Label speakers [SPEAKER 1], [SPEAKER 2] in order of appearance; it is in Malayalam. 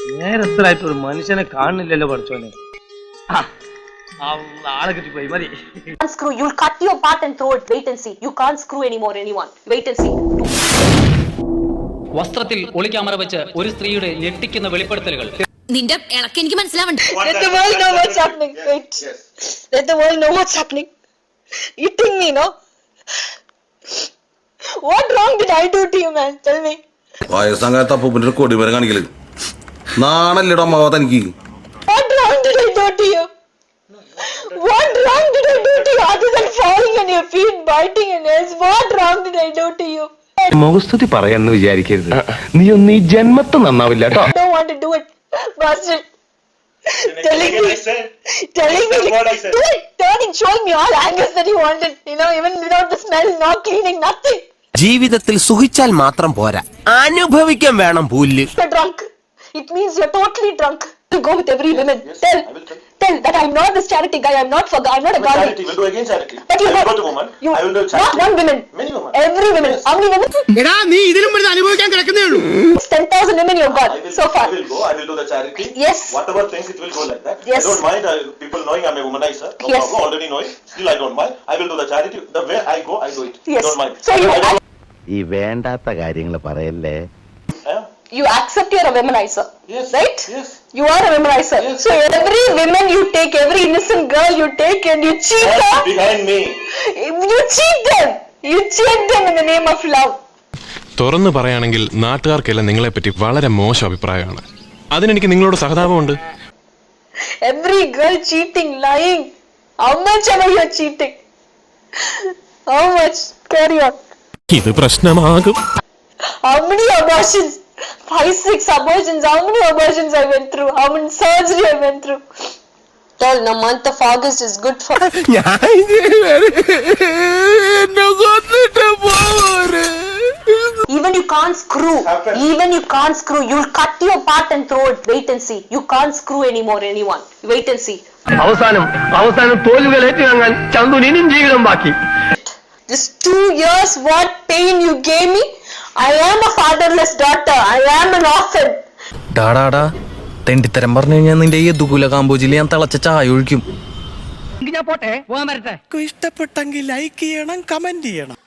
[SPEAKER 1] നേരത്തിലായിട്ട് ഒരു മനുഷ്യനെ കാണുന്നില്ലല്ലോ പഠിച്ചോനെ. ആളെ കിട്ടിപ്പോയി മതി.
[SPEAKER 2] Screw, you'll cut your part and throw it. Wait and see. You can't screw anymore anyone. Wait and see.
[SPEAKER 3] വസ്ത്രത്തിൽ ഒളിക്യാമറ വെച്ച് ഒരു സ്ത്രീയുടെ ഞെട്ടിക്കുന്ന വെളിപ്പെടുത്തലുകൾ.
[SPEAKER 4] നിന്റെ ഇളക്ക് എനിക്ക് മനസ്സിലാവണ്ട.
[SPEAKER 2] Let the world know what's happening. Wait. Let the world know what's happening. Eating me, no? What wrong did I do to you, man? Tell me.
[SPEAKER 5] വയസ്സങ്ങാത്ത അപ്പൂപ്പിന്റെ കൊടി വരെ കാണിക്കല് നാണല്ലേടോ അമ്മാവ തനിക്ക്?
[SPEAKER 2] What wrong did I do to you? What wrong did I do to you other than falling on your feet, biting your nails? What wrong did I do to you?
[SPEAKER 6] മുഖസ്തുതി പറയാന്ന് വിചാരിക്കരുത്. നീ ഒന്നും ഈ ജന്മത്ത് നന്നാവില്ല കേട്ടോ.
[SPEAKER 2] I don't want to do it. Bastard. Telling me, do it, turning, showing me all angles that you wanted, even without the smell, not cleaning, nothing.
[SPEAKER 7] ജീവിതത്തിൽ സുഖിച്ചാൽ മാത്രം പോരാ, അനുഭവിക്കാൻ വേണം പുല്ല്.
[SPEAKER 2] You're drunk. It means you're totally drunk. You go with every woman. Tell that I'm not this charity guy. I'm not a guy.
[SPEAKER 8] Charity will do again charity.
[SPEAKER 2] But you
[SPEAKER 8] go to woman. I will do charity.
[SPEAKER 2] Not one woman.
[SPEAKER 8] Many women.
[SPEAKER 2] Every woman. How many women?
[SPEAKER 7] എടാ നീ ഇതിലും വലുത് അനുഭവിക്കാൻ കിടക്കുന്നേ ഉള്ളൂ.
[SPEAKER 2] 10,000 women you've got so far.
[SPEAKER 8] I will go. I will do the charity.
[SPEAKER 2] Yes.
[SPEAKER 8] Whatever things it will go like that.
[SPEAKER 2] Yes.
[SPEAKER 8] I don't mind people knowing I'm a womanizer. No
[SPEAKER 2] Yes.
[SPEAKER 8] problem. Already knowing. Still I don't mind. I will do the charity. The way I go, I do it.
[SPEAKER 2] Yes.
[SPEAKER 8] I don't mind.
[SPEAKER 2] So
[SPEAKER 6] ഈ വേണ്ടാത്ത കാര്യങ്ങൾ പറയല്ലേ.
[SPEAKER 2] you accept you're a womanizer.
[SPEAKER 8] Yes.
[SPEAKER 2] Right?
[SPEAKER 8] Yes.
[SPEAKER 2] You are a womanizer.
[SPEAKER 8] Yes.
[SPEAKER 2] So every woman you take, every innocent girl you take and you cheat her.
[SPEAKER 8] Behind me.
[SPEAKER 2] You cheat them. You cheat them in the name of love.
[SPEAKER 9] തുറന്നു പറയുകയാണെങ്കിൽ നാട്ടുകാർക്കെല്ലാം നിങ്ങളെപ്പറ്റി വളരെ മോശം അഭിപ്രായമാണ്. അതിനെനിക്ക് നിങ്ങളോട് സഹതാപമുണ്ട്.
[SPEAKER 2] Every girl cheating, lying. How much ever you're cheating? How much? Carry on.
[SPEAKER 9] ഇത് പ്രശ്നമാകും.
[SPEAKER 2] How many abortions? 5-6 abortions. How many abortions I went through? How many surgery I went through? Tell the month of August is good for. Even you can't screw. Even you can't screw. You'll cut your part and throw it. Wait and see. You can't screw anymore anyone. Wait and see.
[SPEAKER 6] അവസാനം തോലുകളേറ്റ് വാങ്ങാൻ ചന്തുന് ഇനിയും ജീവിതം ബാക്കി.
[SPEAKER 2] This 2 years, what pain you gave me. I am a fatherless daughter. I am an orphan.
[SPEAKER 7] ടാടാടാ തെണ്ടിത്തരം പറഞ്ഞു കഴിഞ്ഞാൽ നിന്റെ ഈ ദുകുല കാമ്പോജിൽ ഞാൻ തിളച്ച ചായ ഒഴിക്കും.
[SPEAKER 3] ഞാൻ പോട്ടെ, പോകാൻ വരട്ടെ.
[SPEAKER 7] ഇഷ്ടപ്പെട്ടെങ്കിൽ ലൈക്ക് ചെയ്യണം, കമന്റ് ചെയ്യണം.